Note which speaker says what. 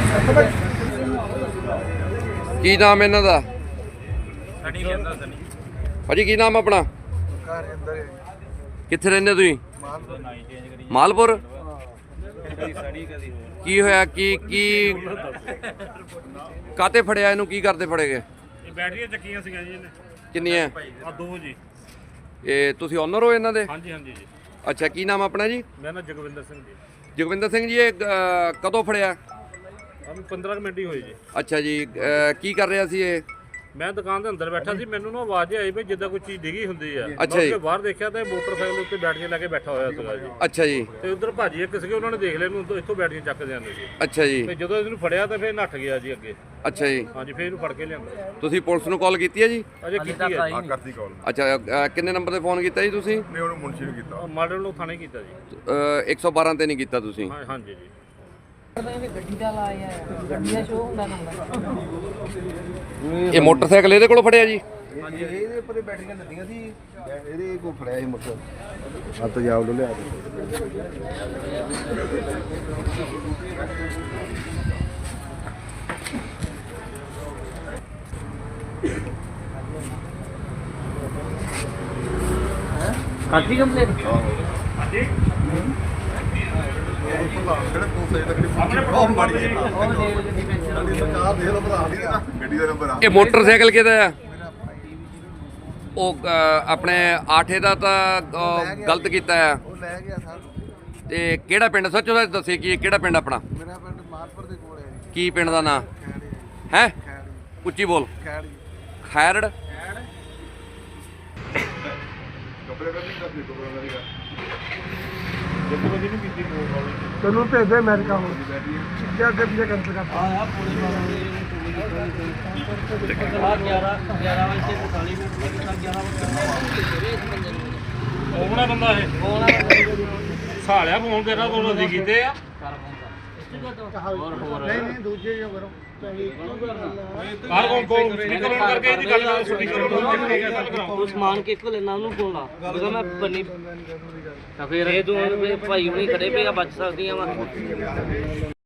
Speaker 1: ਕੀ ਨਾਮ ਇਹਨਾਂ ਦਾ?
Speaker 2: ਸਣੀ ਕਹਿੰਦਾ ਸਣੀ
Speaker 1: ਭਾਜੀ ਕੀ ਨਾਮ ਆਪਣਾ?
Speaker 3: ਘਰ ਅੰਦਰ
Speaker 1: ਕਿੱਥੇ ਰਹਿੰਦੇ ਤੁਸੀਂ?
Speaker 2: ਨਾਈ ਚੇਂਜ ਕਰੀ
Speaker 1: ਮਾਲਪੁਰ।
Speaker 2: ਕਦੀ ਸਣੀ ਕਦੀ ਹੋਰ
Speaker 1: ਕੀ ਹੋਇਆ? ਕੀ ਕਾਤੇ ਫੜਿਆ ਇਹਨੂੰ? ਕੀ ਕਰਦੇ ਫੜੇ ਗਏ?
Speaker 4: ਇਹ ਬੈਟਰੀਆਂ ਚੱਕੀਆਂ ਸੀਗੀਆਂ ਜੀ ਇਹਨੇ।
Speaker 1: ਕਿੰਨੀਆਂ?
Speaker 4: ਆ ਦੋ ਜੀ।
Speaker 1: ਇਹ ਤੁਸੀਂ ਓਨਰ ਹੋ ਇਹਨਾਂ ਦੇ?
Speaker 4: ਹਾਂਜੀ ਹਾਂਜੀ ਜੀ।
Speaker 1: ਅੱਛਾ, ਕੀ ਨਾਮ ਆਪਣਾ ਜੀ?
Speaker 4: ਮੇਰਾ ਨਾਮ ਜਗਵਿੰਦਰ ਸਿੰਘ ਜੀ।
Speaker 1: ਜਗਵਿੰਦਰ ਸਿੰਘ ਜੀ, ਇਹ ਕਦੋਂ ਫੜਿਆ?
Speaker 4: ਸਾਨੂੰ 15 ਕੁ ਮਿੰਟ ਹੀ ਹੋਏ ਜੀ।
Speaker 1: ਅੱਛਾ ਜੀ, ਕੀ ਕਰ ਰਿਹਾ ਸੀ ਇਹ?
Speaker 4: ਮੈਂ ਦੁਕਾਨ ਦੇ ਅੰਦਰ ਬੈਠਾ ਸੀ, ਮੈਨੂੰ ਨਾ ਆਵਾਜ਼ ਆਈ ਵੀ ਜਿੱਦਾਂ ਕੋਈ ਚੀਜ਼ ਡਿੱਗੀ ਹੁੰਦੀ ਆ।
Speaker 1: ਅੱਛਾ ਜੀ।
Speaker 4: ਮੈਂ ਬਾਹਰ ਦੇਖਿਆ ਤਾਂ ਮੋਟਰਸਾਈਕਲ ਉੱਤੇ ਬੈਟਰੀਆਂ ਲੈ ਕੇ ਬੈਠਾ ਹੋਇਆ ਸੀਗਾ ਜੀ।
Speaker 1: ਅੱਛਾ ਜੀ।
Speaker 4: ਤੇ ਉਧਰ ਭਾਜੀ ਇੱਕ ਸੀਗੇ, ਉਹਨਾਂ ਨੇ ਦੇਖ ਲਿਆ ਇਹਨੂੰ, ਇੱਥੋਂ ਬੈਟਰੀਆਂ ਚੱਕਦੇ ਜਾਂਦੇ ਸੀ।
Speaker 1: ਅੱਛਾ ਜੀ।
Speaker 4: ਤੇ ਜਦੋਂ ਇਹਨੂੰ ਫੜਿਆ ਤਾਂ ਫਿਰ ਨੱਠ ਗਿਆ ਜੀ ਅੱਗੇ।
Speaker 1: ਅੱਛਾ ਜੀ।
Speaker 4: ਹਾਂਜੀ, ਫਿਰ ਇਹਨੂੰ ਫੜ ਕੇ ਲਿਆਂਦਾ।
Speaker 1: ਤੁਸੀਂ ਪੁਲਿਸ ਨੂੰ ਕਾਲ ਕੀਤੀ ਹੈ ਜੀ?
Speaker 4: ਅਜੇ ਕੀਤੀ ਹੈ ਜੀ।
Speaker 3: ਕਰਤੀ ਕਾਲ
Speaker 1: ਅੱਛਾ, ਕਿੰਨੇ ਨੰਬਰ ਤੇ ਫੋਨ ਕੀਤਾ ਜੀ ਤੁਸੀਂ?
Speaker 3: ਨੇ ਉਹਨੂੰ ਮੁਨਸ਼ੀ ਨੂੰ ਕੀਤਾ।
Speaker 4: ਮਾਡਲ ਨੂੰ ਥਾਣੇ ਕੀਤਾ ਜੀ।
Speaker 1: 112 ਤੇ ਨਹੀਂ ਕੀਤਾ ਤੁਸੀਂ?
Speaker 4: ਹਾਂਜੀ ਜੀ।
Speaker 5: ਗੱਡੀ ਦਾ ਲਾਇਆ ਗੱਡੀ ਦਾ ਸ਼ੋਅ ਹੁੰਦਾ ਨੰਬਰ।
Speaker 1: ਇਹ ਮੋਟਰਸਾਈਕਲ ਇਹਦੇ ਕੋਲੋਂ ਫੜਿਆ ਜੀ?
Speaker 3: ਹਾਂਜੀ, ਇਹਦੇ ਉੱਪਰ ਬੈਟਰੀਆਂ ਲੱਦੀਆਂ ਸੀ, ਇਹਦੇ ਕੋਲ ਫੜਿਆ ਸੀ ਮੋਟਰ। ਹੱਥ ਜਾਵ ਲੋ ਲਿਆ
Speaker 5: ਕਾਟੀ ਕੰਪਲੇਨ
Speaker 3: ਗੱਡੀ ਦਾ ਨੰਬਰ ਆ।
Speaker 1: ਇਹ ਮੋਟਰਸਾਈਕਲ ਕਿਹਦਾ ਆ? ਉਹ ਆਪਣੇ ਆਠੇ ਦਾ ਤਾਂ ਗਲਤ ਕੀਤਾ ਆ।
Speaker 3: ਉਹ ਲੈ ਗਿਆ ਸਰ।
Speaker 1: ਤੇ ਕਿਹੜਾ ਪਿੰਡ? ਸੱਚੋ ਸੱਚ ਦੱਸੇ ਕੀ ਕਿਹੜਾ ਪਿੰਡ ਆਪਣਾ?
Speaker 3: ਮੇਰਾ ਪਿੰਡ ਮਾਲਪੁਰ ਦੇ ਕੋਲ ਹੈ ਜੀ।
Speaker 1: ਕੀ ਪਿੰਡ ਦਾ ਨਾਂ
Speaker 3: ਖੈੜੀ
Speaker 1: ਹੈ?
Speaker 3: ਖੈੜੀ
Speaker 1: ਉੱਚੀ ਬੋਲ।
Speaker 3: ਖੈੜੀ
Speaker 1: ਖੈਰੜ।
Speaker 3: ਕੱਪੜੇ ਕਰਨੀ ਕਰਦੀ ਕੋਲ ਦਾ
Speaker 4: ਜਦੋਂ ਕਦੀ ਨਹੀਂ ਕੀਤੀ ਕੋਲ ਵਾਲੀ।
Speaker 3: ਤੈਨੂੰ ਭੇਜਦੇ ਅਮਰੀਕਾ ਹੁਣ ਕਿਆ ਗੱਡੀਆਂ ਕੈਂਸਲ ਕਰ।
Speaker 5: ਆ ਪੁਲਿਸ ਵਾਲੇ ਨੇ 11 ਵਜੇ 40 ਮਿੰਟ 11 ਵਜੇ
Speaker 4: ਕੋਣਾ ਬੰਦਾ ਇਹ ਸਾਲਿਆ ਫੋਨ ਤੇਰਾ ਕੋਲ ਅਸੀਂ ਕੀਤੇ ਆ।
Speaker 3: ਨਹੀਂ ਦੂਜੇ ਜੋ ਕਰੋ।
Speaker 4: ਹਰ ਕੋਲ ਸਪੀਕਰ ਆਨ ਕਰਕੇ ਇਹਦੀ ਗੱਲ ਕਰ। ਸਪੀਕਰ ਆਨ ਕਰਕੇ ਗੱਲ ਕਰਾਓ।
Speaker 5: ਉਹ ਸਮਾਨ ਕੇ ਕੋ ਲੈਣਾ ਉਹਨੂੰ ਕੋਲ ਲਾ ਬਿਕਾ ਮੈਂ ਬੰਨੀ ਤਾਂ ਫਿਰ ਇਹ ਦੋ ਭਾਈ ਹੁਣੀ ਖੜੇ ਪਏ ਆ, ਬਚ ਸਕਦੀਆਂ ਵਾ।